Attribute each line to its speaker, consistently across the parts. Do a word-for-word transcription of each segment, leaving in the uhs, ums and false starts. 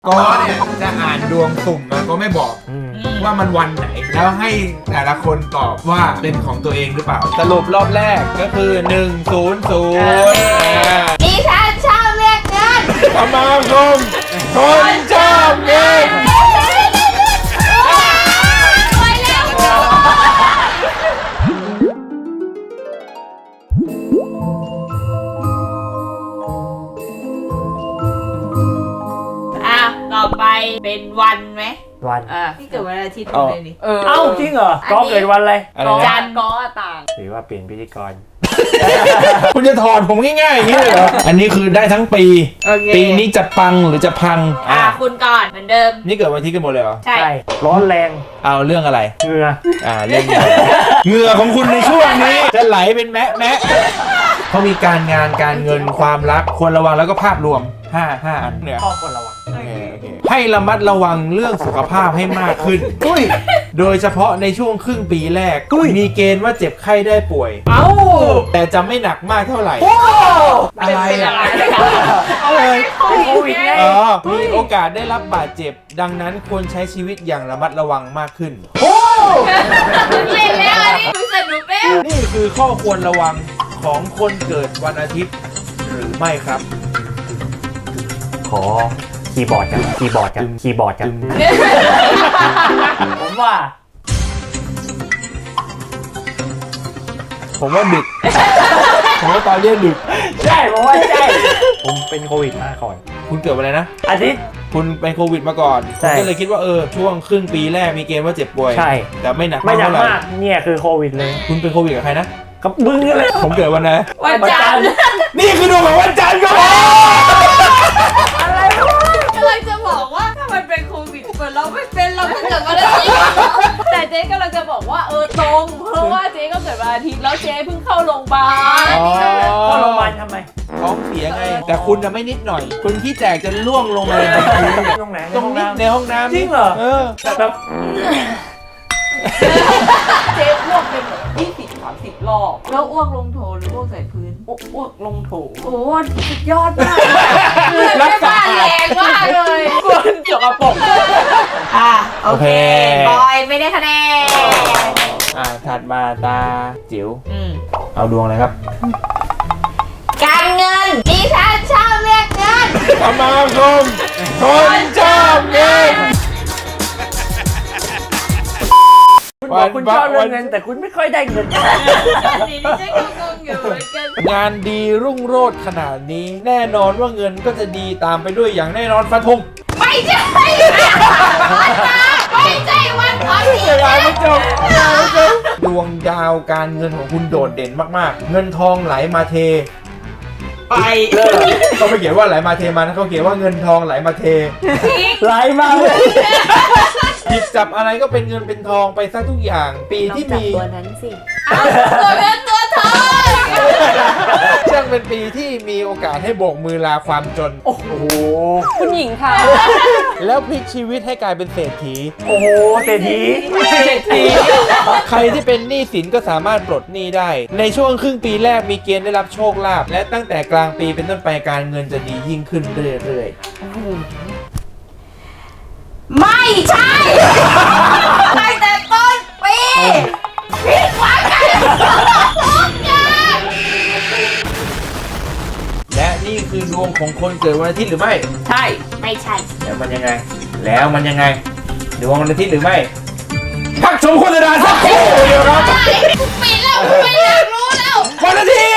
Speaker 1: ก็เนี่ยจะอ่านดวงสุ่มมาก็ไม่บอกว่ามันวันไหนแล้วให้แต่ละคนตอบว่าเป็นของตัวเองหรือเปล่าสรุปรอบแรกก็คือหนึ่ง ศูนย์ ศูนย์
Speaker 2: ดิฉันชอบเรียกเงิน
Speaker 1: สมาคมคนชอบเงิน
Speaker 2: ไปแล้ว อ่ะต่อไปเป็นวันไหม
Speaker 3: วัน
Speaker 2: อ่ะพี่เกิดวันอาทิตย์เลยนี่
Speaker 3: เอ้าจริงเหรอก็เกิดวันอะไร
Speaker 1: อะไร
Speaker 2: จั
Speaker 1: นะ
Speaker 2: นทร์ก็ต่าง
Speaker 3: หรือว่าเปลี่ยนพิธีกร
Speaker 1: คุณจะถอดผมง่ายๆอย่างนี้เลยเหรออันนี้คือได้ทั้งปี
Speaker 2: โอเค
Speaker 1: ปีนี้จะปังหรือจะพัง
Speaker 2: อ่ะคุณก่อนเหมือนเดิม
Speaker 1: นี่เกิดวันอาทิตย์กันหมดเลยเหรอ
Speaker 2: ใช่
Speaker 3: ใช่ร้อนแรง
Speaker 1: เอาเรื่องอะไร
Speaker 3: เหงื่อ
Speaker 1: อ่าเรื่องเหงื่อ เหงื่อของคุณในช่วงนี้ จะไหลเป็นแมะแมะเขามีการงานการเงินความรักควรระวังแล้วก็ภาพรวมห้า ห้าอันเนี่ย
Speaker 3: ข้อควรระวัง
Speaker 1: โอเคโอเคให้ระมัดระวังเรื่องสุขภาพให้มากขึ้น
Speaker 3: อุ้ย
Speaker 1: โดยเฉพาะในช่วงครึ่งปีแรก มีเกณฑ์ว่าเจ็บไข้ได้ป่วย
Speaker 3: เอ้า
Speaker 1: แต่จะไม่หนักมากเท่าไหร่
Speaker 3: โอ้
Speaker 1: อะไร
Speaker 2: เป็น
Speaker 1: อ่ะ
Speaker 2: อะไร
Speaker 1: อะไร
Speaker 3: เป็นโควิดไง
Speaker 1: อ๋อมีโอกาสได้รับบาดเจ็บ ดังนั้นควรใช้ชีวิตอย่างระมัดระวังมากขึ้น
Speaker 3: โอ้
Speaker 2: เล่นแล้วอันนี้คุณสนุกแล้ว
Speaker 1: นี่คือข้อควรระวังของคนเกิดวันอาทิตย์หรือไม่ครับ
Speaker 3: ขอคีย์บอร์ดกันคีย์บอร์ดกันคีย์บอร์ดกันผมว่า
Speaker 1: ผมว่าดึก ผมว่าตอนเรียนดึก
Speaker 3: ใช่ผมว่าใช่ผมเป็นโควิดมาก่อน
Speaker 1: คุณเกิดวันอะไรนะ
Speaker 3: อาทิตย์
Speaker 1: คุณเป็นโควิดมาก่อน
Speaker 3: ใช่
Speaker 1: คุณก็เลยคิดว่าเออช่วงครึ่งปีแรกมีเกณฑ์ว่าเจ็บป่วย
Speaker 3: ใช่
Speaker 1: แต่ไม่หนัก
Speaker 3: ไม่หนัก
Speaker 1: เท่าไหร่
Speaker 3: มากเนี่ยคือโควิดเลย
Speaker 1: คุณเป็นโควิดกับใครนะ
Speaker 3: กับมึงเลย
Speaker 1: ผมเกิดวันไหน
Speaker 2: วันจันทร์
Speaker 1: นี่คือดวงของวันจันทร์ครับผม
Speaker 2: อะไรวะกำลังจะบอกว่าถ้ามันเป็นโควิดเหมือนเราไม่เป็นเราก็เกิดวันอาทิตย์แต่เจ๊กำลังจะบอกว่าเออตรงเพราะว่าเจ๊ก็เกิดวันอาทิตย์แล้วเจ๊เพิ่งเข้าโรงพยาบาล
Speaker 1: อ๋อ
Speaker 3: เข้าโรงพยาบาลทำไม
Speaker 1: ท้องเสียไง แต่คุณจะไม่นิดหน่อย คุณขี้แตกจะล่วงลงมาในพื้น
Speaker 3: ตรงไหน
Speaker 1: ตรงนี้ในห้องน้ำ
Speaker 3: จริงเหรอ
Speaker 1: เออ
Speaker 3: แบบ
Speaker 2: เจ๊อ้วกเป็นแบบยี่สิบสามสิบรอบแล้วอ้วกลงโถหรืออ้วกใส่พื้นอ้วกลงโถโอ้สุดยอดมากเลยไม่บ้านแรงมากเลยคนเกี่ยวกับปกอ่ะโอเคบอยไม่ได้คะแนน
Speaker 1: อ่าถัดมาตาจิ๋ว
Speaker 2: อืม
Speaker 1: เอาดวงเลยครับ
Speaker 2: การเงินดิฉันชอบเรียกเงิน
Speaker 1: สมาคมคนชอบเงิน
Speaker 3: คุณบอกคุณชอบเรื่องเงินแต่คุณไม่ค่อยได้เงิน
Speaker 2: ดิฉันก็งงอยู่เหมือนกัน
Speaker 1: งานดีรุ่งโรจน์ขนาดนี้ แน่นอนว่าเงินก็จะดีตามไปด้วยอย่างแน่นอนฟันธง
Speaker 2: ไม่ใช่ไม่ใช่วันอาทิต
Speaker 1: เว
Speaker 2: ย์
Speaker 1: ลาไม่จบดวงดาวการเงินของคุณโดดเด่นมากๆ เงินทองไหลมาเท
Speaker 2: ไป
Speaker 1: เลิกเขาไม่เขียนว่าไหลมาเทมานะเขาเขียนว่าเงินทองไหลมาเท
Speaker 3: ไหลมาเลย
Speaker 1: หยิบจับอะไรก็เป็นเงินเป็นทองไปซะทุกอย่าง ปีที่มี
Speaker 2: ตัวนั้นสิตัวเงินตัวทอง
Speaker 1: ช่างเป็นปีที่มีโอกาสให้โบกมือลาความจน
Speaker 3: โอ้โห
Speaker 2: คุณหญิงค่ะ
Speaker 1: แล้วพลิกชีวิตให้กลายเป็นเศรษฐี
Speaker 3: โอ้โหเศรษฐี
Speaker 1: เศรษฐีใครที่เป็นหนี้สินก็สามารถปลดหนี้ได้ ในช่วงครึ่งปีแรกมีเกณฑ์ได้รับโชคลาภและตั้งแต่กลางปีเป็นต้นไปการเงินจะดียิ่งขึ้นเรื่อย
Speaker 2: ไม่ใช่ตั้งแต่ต้นปีผิดหวังกันทุกอย่าง
Speaker 1: ๆและนี่คือดวงของคนเกิดวันอาทิตย์หรือไม่
Speaker 2: ใช่ไม่ใช่
Speaker 1: แล้วมันยังไง แล้วมันยังไงดวงวันอาทิตย์หรือไม่พักชมโฆษณาสักครู่เดียวครับ
Speaker 2: ปิดแล้วไม่อยากรู้แล้ว
Speaker 1: วันอาทิตย์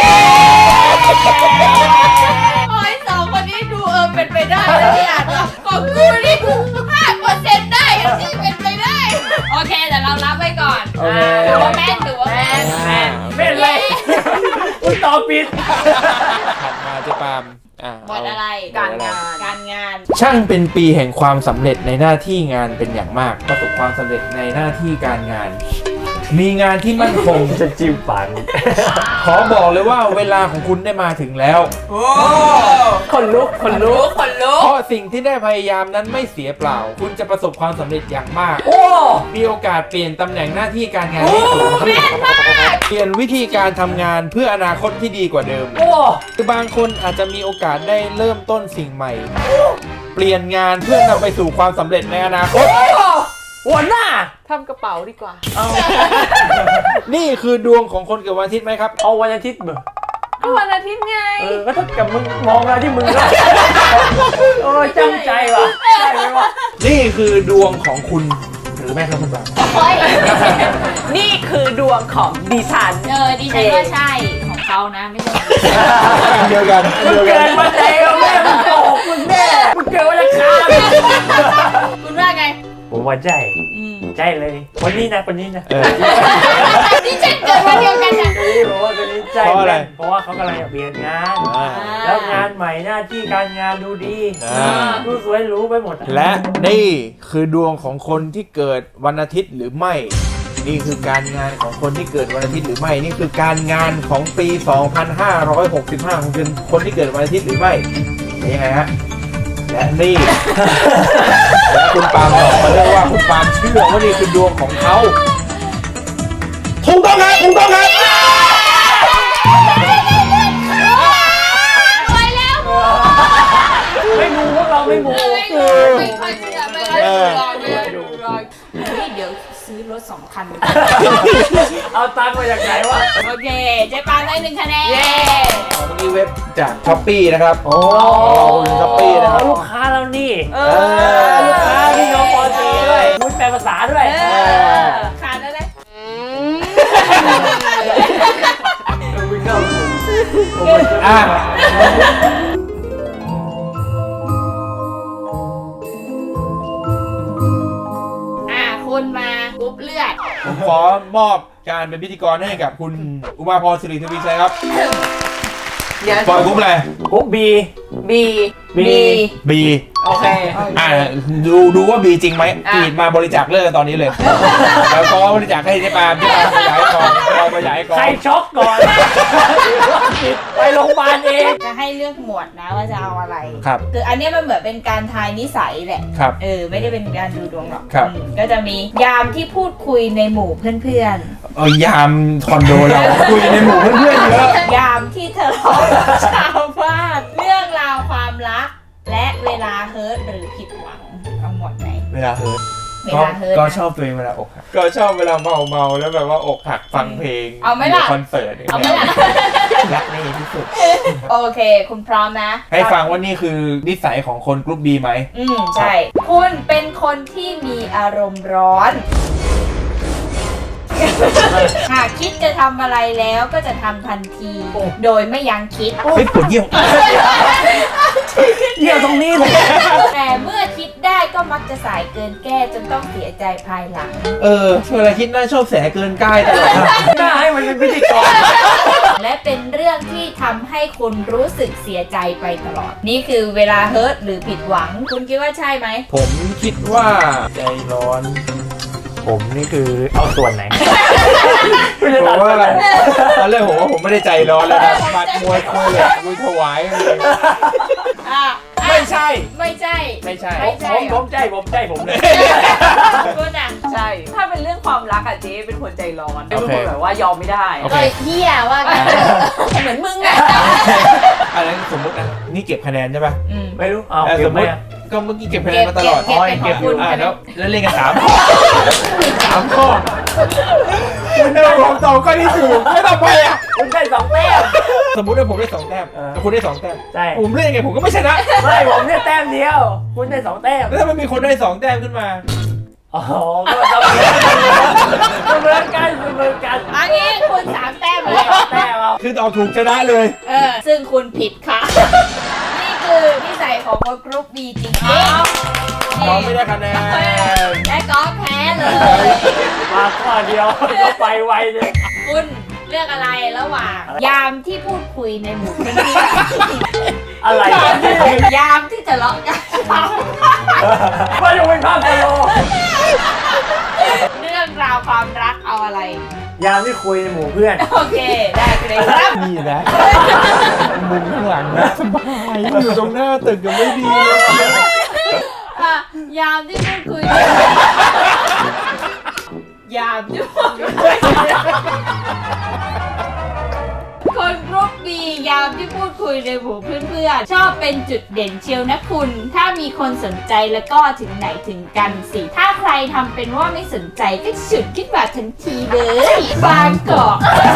Speaker 2: โอ้ยสองคนนี้ดูเออเป็นไปได้นะที่อ่านว่าของกูนี่กูห้าเปอร์เซ็นต์ได้ที่เป็นไปได้ โอเคแต่เรารับไว้ก่อน
Speaker 1: โอเค
Speaker 2: ถือว่าแม่นถือว่าแม่นแม่น
Speaker 3: ไม่เป็นไรคุณตอบผิด
Speaker 1: ถัดมาเจะปาล์มอ่ะ
Speaker 2: หมดอะไร
Speaker 1: เอ
Speaker 2: การ
Speaker 1: หมด
Speaker 2: งา
Speaker 1: อะไร
Speaker 2: นการงาน
Speaker 1: ช่างเป็นปีแห่งความสำเร็จในหน้าที่งานเป็นอย่างมาก ประสบความสำเร็จในหน้าที่การงาน มีงานที่มั่นคง
Speaker 3: จะจิ้มฝัน
Speaker 1: ขอบอกเลยว่าเวลาของคุณได้มาถึงแล้ว
Speaker 3: คนลุกคนลุ
Speaker 2: รู้
Speaker 3: ก
Speaker 2: คนรู้
Speaker 1: เพราะสิ่งที่ได้พยายามนั้นไม่เสียเปล่า คุณจะประสบความสำเร็จอย่างมาก
Speaker 3: โอ้
Speaker 1: มีโอกาสเปลี่ยนตำแหน่งหน้าที่การงานให้สูงขึ้นเปลี่ยนวิธีการทำงานเพื่ออนาคตที่ดีกว่าเดิม
Speaker 3: โอ้
Speaker 1: คือบางคนอาจจะมีโอกาสได้เริ่มต้นสิ่งใหม่เปลี่ยนงานเพื่อนำไปสู่ความสำเร็จในอนาคต
Speaker 3: หัวหน้า
Speaker 2: ทำกระเป๋าดีกว่า
Speaker 3: เอา
Speaker 1: นี่คือดวงของคนเกิดวันอาทิตย์ไหมครับ
Speaker 3: เอาวันอาทิตย์เบอร์
Speaker 2: ก็วันอาทิตย์ไง
Speaker 3: เออก็ถ้ากับมึงมองมาที่มึงแล้วโอ้ยจำใจว่ะใช่ไหมวะ
Speaker 1: นี่คือดวงของคุณหรือไม่ครับคุณปาง
Speaker 2: โอ้ยนี่คือดวงของดิฉัน
Speaker 4: เออดิฉันว่าใช่ของเขานะไม่ใช่
Speaker 1: อันเดียวกันอัน
Speaker 3: มึง
Speaker 1: เดียวกั
Speaker 3: เกิ
Speaker 1: น
Speaker 3: นมาแล้วแม่มึงโกหกมึงแม่มึงเกินวันอังคาร
Speaker 4: คุณว่าไง
Speaker 3: ผมว่าใจ
Speaker 4: อืม
Speaker 3: ใจเลยวันนี้นะวันนี้นะ
Speaker 1: เออ
Speaker 4: ดิฉันเกิดวันเดียวกันนะ
Speaker 3: วันนี้ผมว่าวันนี้ใจ
Speaker 1: เพราะอะไร
Speaker 3: เพราะว่าเขากำลังจะเปลี่ยนงาน
Speaker 1: อ่า
Speaker 3: แล้วงานใหม่หน้าที่การงานดูดี
Speaker 1: อ่า
Speaker 3: ดูสวยหรู้ไปหมดอ
Speaker 1: และนี่คือดวงของคนที่เกิดวันอาทิตย์หรือไม่ นี่คือการงานของคนที่เกิดวันอาทิตย์หรือไม่ นี่คือการงานของปี สองพันห้าร้อยหกสิบห้า ของคนที่เกิดวันอาทิตย์หรือไม่นี่ไงฮะ และนี่ และคุณปาล์มบอกมาเลยว่าคุณปาล์มเชื่อว่านี่คือดวงของเขาถูกต้องครับถูกต้องครับ
Speaker 4: รวยแล้ว
Speaker 3: ไม่มูพวกเราไม่มู
Speaker 4: ไม่รวยไม่ค่อยเชื่อไม่ค่อยเชื่อไม่ค่อยดูรอยนี่เดี๋ยวซื้อรถสองคัน
Speaker 3: เอาตังค์มาจากไหนวะ
Speaker 4: โอเคเจ๊ปานได้หนึ่งคะแนน
Speaker 2: เย้
Speaker 1: เมื่อกี้เว็บจากช้อปปี้นะครับ
Speaker 3: โอ้
Speaker 1: ช้อปปี้นะครับ
Speaker 3: ลูกค้าเรานี่
Speaker 2: เอ
Speaker 1: เอ
Speaker 2: อ
Speaker 3: ลูกค้าพี่น้องปอตีด้วยมุดแปลภาษาด้วย
Speaker 2: เออ
Speaker 4: ขาดแล้วนะ
Speaker 3: วิ่งเข้าสู่
Speaker 1: อ่ะ
Speaker 4: อ่ะคุณมากรุ๊ปเลือด
Speaker 1: ผมขอมอบการเป็นพิธีกรให้กับคุณอุมาพรสิริทวีชัยครับ
Speaker 2: เดี๋ยว
Speaker 1: ปล่อยกรุ๊ปอะไร
Speaker 3: กรุ๊ปบี
Speaker 2: บี
Speaker 3: บี
Speaker 1: บี
Speaker 2: โอเค
Speaker 1: อ่าดูดูว่าบีจริงไหม
Speaker 2: อ่ะ
Speaker 1: บีมาบริจาคเลือดกันตอนนี้เลย แล้วก็บริจาคให้เจ๊ปาล์มเจ๊ปาล์มขยายก่อนเราขยายก่อ
Speaker 3: ใคร
Speaker 1: น
Speaker 3: ช็อกก่อนไปโรงพยาบาลเอง
Speaker 4: จะให้เลือกหมวดนะว่าจะเอาอะไร
Speaker 1: ครับ
Speaker 4: คืออันเนี้ยมันเหมือนเป็นการทายนิสัยแหละ
Speaker 1: ครับ
Speaker 4: เออไม่ได้เป็นการดูดวงหรอก
Speaker 1: ครับ
Speaker 4: อืมก็จะมียามที่พูดคุยในหมู่เพื่อน
Speaker 1: เอายามคอนโดเราคุยในหมู่เพื่อนๆเยอะ
Speaker 4: ๆ ยามที่ทะเลาะกับชาวบ้านเรื่องราวความรัก และเวลาเฮิร์ตหรือผิดหวังเอาหมดไหน
Speaker 1: เวลาเฮิร์ต
Speaker 4: เว
Speaker 1: ก็
Speaker 4: ลาเฮิร์ต
Speaker 1: ก็
Speaker 4: นะ
Speaker 1: ชอบตัวเองเวลาอกหักก็ชอบเวลาเมาเมาๆแล้วแบบว่าอกหักฟังเพลง
Speaker 4: เอาไหมล่ะ
Speaker 1: คอนเสิร์ตย่ง
Speaker 4: เอาไหม
Speaker 1: งี้ย
Speaker 4: ล่ะ
Speaker 1: รักนี่ที่สุด
Speaker 4: โอเค คุณพร้อมนะ
Speaker 1: ให้ฟังว่านี่คือนิสัยของคนกรุ๊ปบีไหม
Speaker 4: อืมใช่ คุณเป็นคนที่มีอารมณ์ร้อน หากคิดจะทำอะไรแล้วก็จะทำทันที โดยไม่ยั้งคิด
Speaker 1: เฮ้ยปวดเยี่ยว
Speaker 3: เยี่ยวตรงนี้เลย
Speaker 4: แต่เมื่อคิดได้ก็มักจะสายเกินแก้จนต้องเสียใจภายหลัง
Speaker 1: เออเวลาคิดน่าชอบแสเกินใกล้ตลอดนะ
Speaker 3: หน้าให้มันเป็นพิธีกร
Speaker 4: และเป็นเรื่องที่ทำให้คุณรู้สึกเสียใจไปตลอด นี่คือเวลาเฮิร์ตหรือผิดหวัง คุณคิดว่าใช่ไหม
Speaker 1: ผมคิดว่าใจร้อน
Speaker 3: ผมนี่คือเอาส่วนไหน
Speaker 1: ผมว่าอะไรตอนแรกผมว่าผมไม่ได้ใจร้อนแล้วนะบัดมวยคุยเลยมวยถวายเลย
Speaker 4: อ่ะ
Speaker 1: ไม่ใช่
Speaker 4: ไม่ใช่
Speaker 1: ไม่ใช่
Speaker 4: ไม่ใช่
Speaker 3: ผมผมใจผมใจผมเลย
Speaker 4: คุณอ่ะ
Speaker 2: ใช่ ถ้าเป็นเรื่องความรักอะเจ๊เป็นคนใจร้อน เป็น
Speaker 1: โอเค
Speaker 2: คนแบบว่ายอมไม่ได้
Speaker 1: โอ
Speaker 4: ก็
Speaker 1: เค
Speaker 4: เฮียว่ากันเหมือนมึงอ่ะ
Speaker 1: อันนั้นสมมตินะนี่เก็บคะแนนใช่ป่ะ
Speaker 4: อืม
Speaker 3: ไม่รู้เอา
Speaker 1: เออ
Speaker 3: เก็
Speaker 1: ส
Speaker 3: บ
Speaker 1: ม
Speaker 3: ไห
Speaker 1: ม
Speaker 3: ม
Speaker 1: ติ
Speaker 3: อะ
Speaker 1: ก็เมื่อกี้เก็บคะแนนมาตลอด
Speaker 4: เก็บเก็บ
Speaker 1: เก็บอยู่
Speaker 4: เป็นของคุณ
Speaker 1: อ่า
Speaker 4: ใช่ไหม
Speaker 1: แล้วแล้วเล่นกันสามข้อสามข้อคุณได้ผมตอบข้อที่ถูกไม่ต้องไปอ่ะ
Speaker 3: คุณได้สองแต้ม
Speaker 1: สมมติว่าผมได้สองแต้ม
Speaker 3: เออ
Speaker 1: แต่คุณได้สองแต้ม
Speaker 3: ใช่
Speaker 1: ผมเล่นยังไงผมก็ไม่ชนะ
Speaker 3: ไม่ผมได้แต้มเดียว คุณได้สองแต้ม
Speaker 1: แล้วถ้ามันมีคนได้สองแต้มขึ้นมา
Speaker 3: อ๋อก็เสมอกันเสมอกัน
Speaker 4: อันนี้คุณสามแต้มเลย
Speaker 3: สองแต้มเอา
Speaker 1: คือตอบถูกชนะเลย
Speaker 4: เออ ซึ่งคุณผิดค่ะ นี่คือนิสัยของคนกรุ๊ปบีจริงๆ
Speaker 1: น้องไม่ได้คะแนน
Speaker 4: และก็แพ้เลย
Speaker 3: มาข้อเดียวก็ไปไวเลย
Speaker 4: คุณเลือกอะไรระหว่าง ยามที่พูดคุยในหมู่เพื่อน
Speaker 3: อะไร
Speaker 4: ยาม
Speaker 3: กัน
Speaker 4: ที่ยามที่ทะเลาะกัน
Speaker 3: ว่าจะเป็นภาพตลก
Speaker 4: เรื่องราวความรักเอาอะไร
Speaker 3: ยามที่คุยในหมู่เพื่อน
Speaker 4: โอเค ได้เลยครับ
Speaker 1: นี่นะมุมข้างหลังนะสบายอยู่ตรงหน้าตึกยังไม่ดีเลย
Speaker 4: อ่ะยามที่พูดคุย ยามที่พูดคุยคนกรุ๊ปบียามที่พูดคุยในหมู่เพื่อนๆชอบเป็นจุดเด่นเชียวนะคุณ ถ้ามีคนสนใจแล้วก็ถึงไหนถึงกันสิ ถ้าใครทำเป็นว่าไม่สนใจก็ฉุดขึ้นมาทันทีเลยบางกอก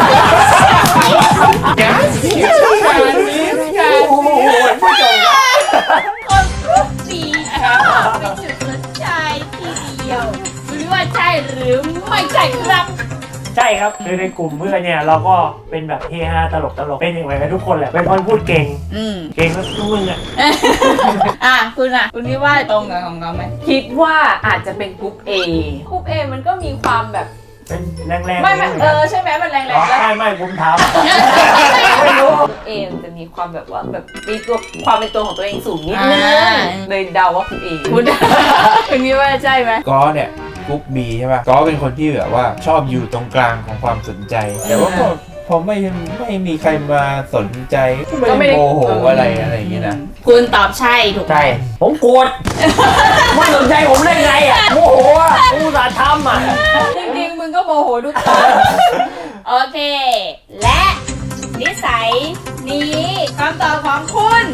Speaker 1: การนี้การนี้การ
Speaker 3: โอ้โหผู้ชมครับ
Speaker 4: คนรูปดีค่ะเป็นจุดสนใจทีเดียวไม่รู้ว่าใช่หรือไม่ใช่ครับ
Speaker 3: ใช่ครับคือในกลุ่มเพื่อนเนี่ยเราก็เป็นแบบเฮฮาตลกตลกเป็นอย่างไรกันทุกคนแหละเป็นคนพูดเก่ง
Speaker 4: อืม
Speaker 3: เก่งก็ทุกมึงอ่ะ
Speaker 4: อ่ะคุณอ่ะ คุณคิดว่าตรงกับของเราไหม
Speaker 2: คิดว่าอาจจะเป็นกรุ๊ป A กรุ๊ป A มันก็มีความแบบ
Speaker 3: เป็นแรงๆ
Speaker 2: ไม่ไม่เออใช่ไหมมันแรงๆ
Speaker 3: อ๋อ
Speaker 2: แล้ว
Speaker 3: ใช่ไม่ผมถามไม่รู้
Speaker 2: กรุ๊ป A มันจะมีความแบบว่าแบบมีตัวความเป็นตัวของตัวเองสูงนิดนึง
Speaker 4: อ่า
Speaker 2: เลยเดาว่ากรุ๊ป A
Speaker 4: คุณคุณคิดว่าใช่ไหม
Speaker 1: ก็เนี่ยกรุ๊ปบีใช่ป่ะก็เป็นคนที่แบบว่าชอบอยู่ตรงกลางของความสนใจ แต่ว่าก็พอไม่ไม่มีใครมาสนใจก็ไม่ได้โมโหอะไรอะไรอย่างเงี้ยนะ
Speaker 4: คุณตอบใช่ถูกไหม
Speaker 3: ใช่ผมโกรธไม่สนใจผมได้ไงอ่ะโมโหอ่ะกูอุตส่าห์ทำอ่ะ
Speaker 4: จริงๆมึงก็โมโหทุกตอนโอเค และนิสัยนี้คำตอบของคุณ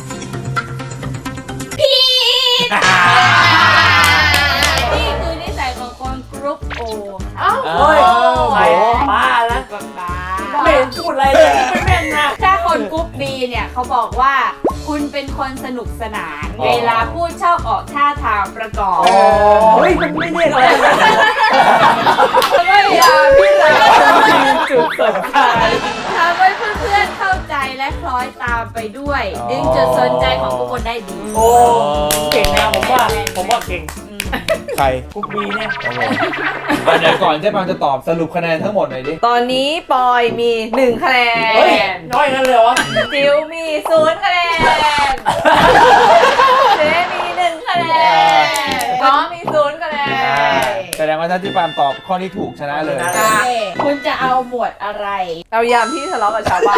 Speaker 4: ผิดนี่คือนิสัยของคนกรุ๊ปโอ
Speaker 2: เอ้า
Speaker 3: เฮ้ยใส่ป้าแล้ว
Speaker 4: บ้า
Speaker 3: ไม่เห็นพูดอะไรเลยไม่แม่นนะ
Speaker 4: ถ้าคนกรุ๊ปบีเนี่ยเขาบอกว่าคุณเป็นคนสนุกสนาน เวลาพูดชอบออกท่าทางประกอบ
Speaker 3: เฮ้ยมันไม่เรียกอะไร
Speaker 2: ไม่อยากพี่สาวจุดสนใจ
Speaker 4: ทำให้เพื่อนๆเข้าใจและคล้อยตามไปด้วย ดึงจุดสนใจของทุกคนได้ดี
Speaker 3: โอ้เก่งนะผมว่าผมว่าเก่ง
Speaker 1: ใคร
Speaker 3: กุ๊กบีเนี่ย
Speaker 1: อ่ะเดี๋ยวก่อนเจ๊ปางจะตอบสรุปคะแนนทั้งหมดหน่อยดิ
Speaker 2: ตอนนี้ปอยมีหนึ่งคะแน
Speaker 3: เฮ้ย
Speaker 2: น
Speaker 3: น้อยกันเลยวะ
Speaker 2: จิวมีศูนย์คะแนนเจมีหนึ่งคะแนนก้อมีศูนย์คะแน
Speaker 1: อ่าน แสดงว่าถ้าที่ปามตอบข้อที่ถูกชนะเลย
Speaker 4: โอเคคุณจะเอาหมวดอะไร
Speaker 2: เรายามที่ทะเลาะกับชาวบ้าน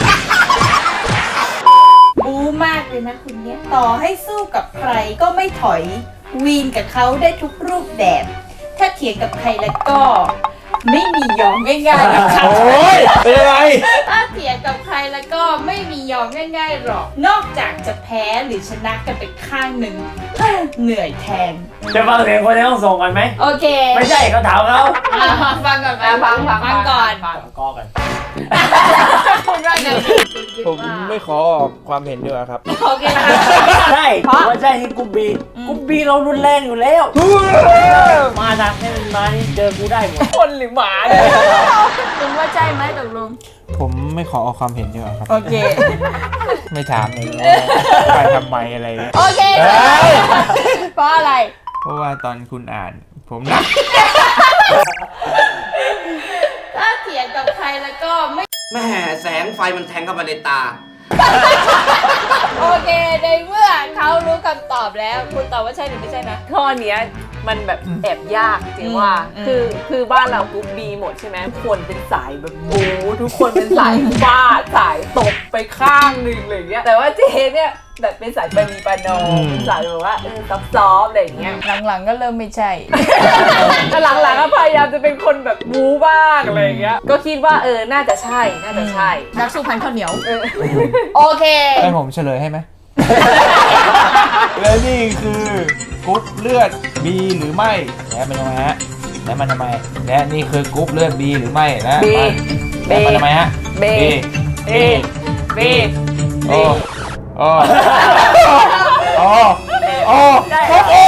Speaker 4: บูมากเลยนะคุณเนี่ยต่อให้สู้กับใครก็ไม่ถอย วีนกับเขาได้ทุกรูปแบบ ถ้าเถียงกับใครแล้วก็ ไม่มียอมง่ายๆหรอกค่ะ
Speaker 1: โอ้ยเป็นอะไร
Speaker 4: ถ้าเถียงกับใครแล้วก็ไม่มียอมง่ายๆหรอก นอกจากจะแพ้หรือชนะกันไปข้างหนึ่งเอ้อเหนื่อยแทน
Speaker 3: จะฟังเสียงคนในห้องส่งกันไหม
Speaker 4: โอเค
Speaker 3: ไม่ใช่เขาถามเขา
Speaker 4: อ่ะฟังก่อนไหม
Speaker 2: อ่ะฟังฟัง
Speaker 4: ฟังก่อน
Speaker 2: ฟัง
Speaker 3: กอกัน
Speaker 4: คุณว่าไง
Speaker 1: ผมไม่ขอออกความเห็นดีกว่าครับ
Speaker 4: โอเคค่ะ
Speaker 3: ใช่ว่าใช่ที่กุ๊บบีกุ๊บบีเรารุนแรงอยู่แล้ว มาทางให้มันมานี่เจอกูได้หมด
Speaker 2: คนหรือหมาเนี่ย
Speaker 4: คุณว่าใช่ไหมตกลง
Speaker 1: ผมไม่ขอออกความเห็นดีกว่าครับ
Speaker 4: โอเค
Speaker 1: ไม่ถามเลยว่าไปทำไมอะไรเนี่ย
Speaker 4: โอเค
Speaker 1: เอ้ย
Speaker 4: เพราะอะไร
Speaker 1: เพราะว่าตอนคุณอ่าน ผมนะ
Speaker 4: ถ้าเถียงกับใครแล้วก็ไม่
Speaker 5: แม่แสงไฟมันแทงเข้ามาในตา
Speaker 4: โอเค ในเมื่อเขารู้คำตอบแล้ว คุณตอบว่าใช่หรือไม่ใช่นะ
Speaker 2: ข้อเนี้ยมันแบบแอบยากจริงว่า
Speaker 4: อืม
Speaker 2: คือคือบ้านเรากรุ๊ปบีหมดใช่ไหมทุกคนเป็นสายแบบบู๊ทุกคนเป็นสายฟาดสายตบไปข้างหนึ่งอะไรอย่างเงี้ยแต่ว่าเจเนี่ยแบบเป็นสายปณีประนอมเป็นสายแบบว่าเออซอฟต์ๆอะไรอย่างเงี้ย
Speaker 4: หลังๆก็เริ่มไม่ใช่
Speaker 2: แต่หลังๆก็พยายามจะเป็นคนแบบบู๊บ้างอะไรอย่างเงี้ยก็คิดว่าเออน่าจะใช่น่าจะใช่
Speaker 4: นักสู้พันข้าวเหนียว โอเค
Speaker 1: ให้ผมเฉลยให้ไหม และนี่คือกรุ๊ปเลือด B หรือไม่และมันทำไมฮะและมันทำไมและนี่คือกรุ๊ปเลือด B หรือไม่และ
Speaker 2: B
Speaker 1: มันและมันทำไมฮะ
Speaker 2: B
Speaker 1: B
Speaker 2: B B
Speaker 1: โอ้โอ้โอ้โอ้
Speaker 3: ได้
Speaker 1: โอ้โอ้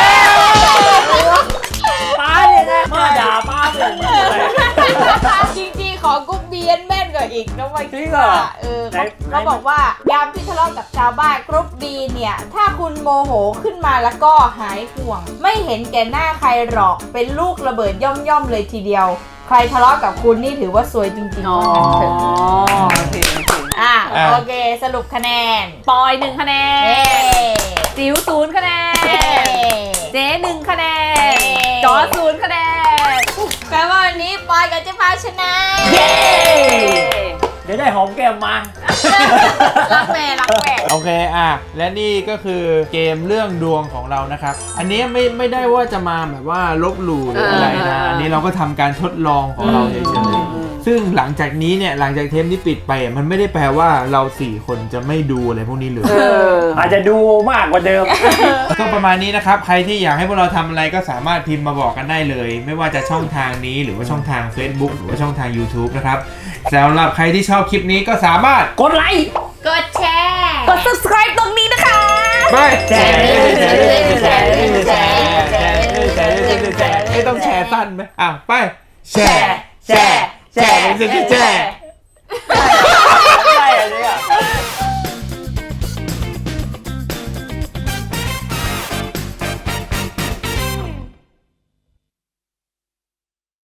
Speaker 3: ป้าเนี่ยนะมาด่าป้าผมอะไร
Speaker 4: จริงๆ ของกุ๊กเบียนแม่นกว่าอีกนะว่า
Speaker 3: จริงเหรอ
Speaker 4: เออ
Speaker 3: ไหน
Speaker 4: เขาบอกว่ายามที่ทะเลาะกับชาวบ้านกรุ๊ปบีเนี่ย ถ้าคุณโมโหขึ้นมาแล้วก็หายห่วง ไม่เห็นแก่หน้าใครหรอกเป็นลูกระเบิดย่อมๆเลยทีเดียว ใครทะเลาะกับคุณนี่ถือว่าสวยจริงๆ
Speaker 2: อ๋อ
Speaker 4: ว่างั้นเถอะ
Speaker 2: โอเคโอเค
Speaker 4: อ่ะโอเค สรุปคะแนน
Speaker 2: ปอยหนึ่งคะแน
Speaker 4: เย้
Speaker 2: นจิ๋วศูนย์คะแน
Speaker 4: เย้
Speaker 2: นเจ๊หนึ่งคะแนน
Speaker 4: เย้
Speaker 2: จอศูนย์คะแนน
Speaker 4: แปลว่าวันนี้ปอยกับเจ๊พาวชนะ
Speaker 3: เย้ เดี๋ยวได้หอมแก้มมา
Speaker 4: รักแม่รักแม่
Speaker 1: โอเคอ่ะและนี่ก็คือเกมเรื่องดวงของเรานะครับ อันนี้ไม่ไม่ได้ว่าจะมาแบบว่าลบหลู่หรืออะไรนะ อันนี้เราก็ทำการทดลองของเราเฉยๆซึ่งหลังจากนี้เนี่ยหลังจากเทปนี้ปิดไปอ่ะมันไม่ได้แปลว่าเราสี่คนจะไม่ดูอะไรพวกนี้เลย
Speaker 2: เออ
Speaker 3: อาจจะดูมากกว่าเดิม
Speaker 1: ก็ประมาณนี้นะครับใครที่อยากให้พวกเราทำอะไรก็สามารถพิมพ์มาบอกกันได้เลย ไม่ว่าจะช่องทางนี้หรือว่าช่องทาง Facebook หรือว่าช่องทาง YouTube นะครับสำหรับใครที่ชอบคลิปนี้ก็สามารถ
Speaker 3: กดไลค์
Speaker 4: กดแชร์
Speaker 2: กด subscribe ตรงนี้นะคะ
Speaker 1: ไปแชร์
Speaker 3: แชร์แชร์แชร์
Speaker 1: แชร์แชร์แชร์แชร์ไม่ต้องแชร์สั้นไหมอ้าวไปแชร์แชร์แชร์แชร์แชร์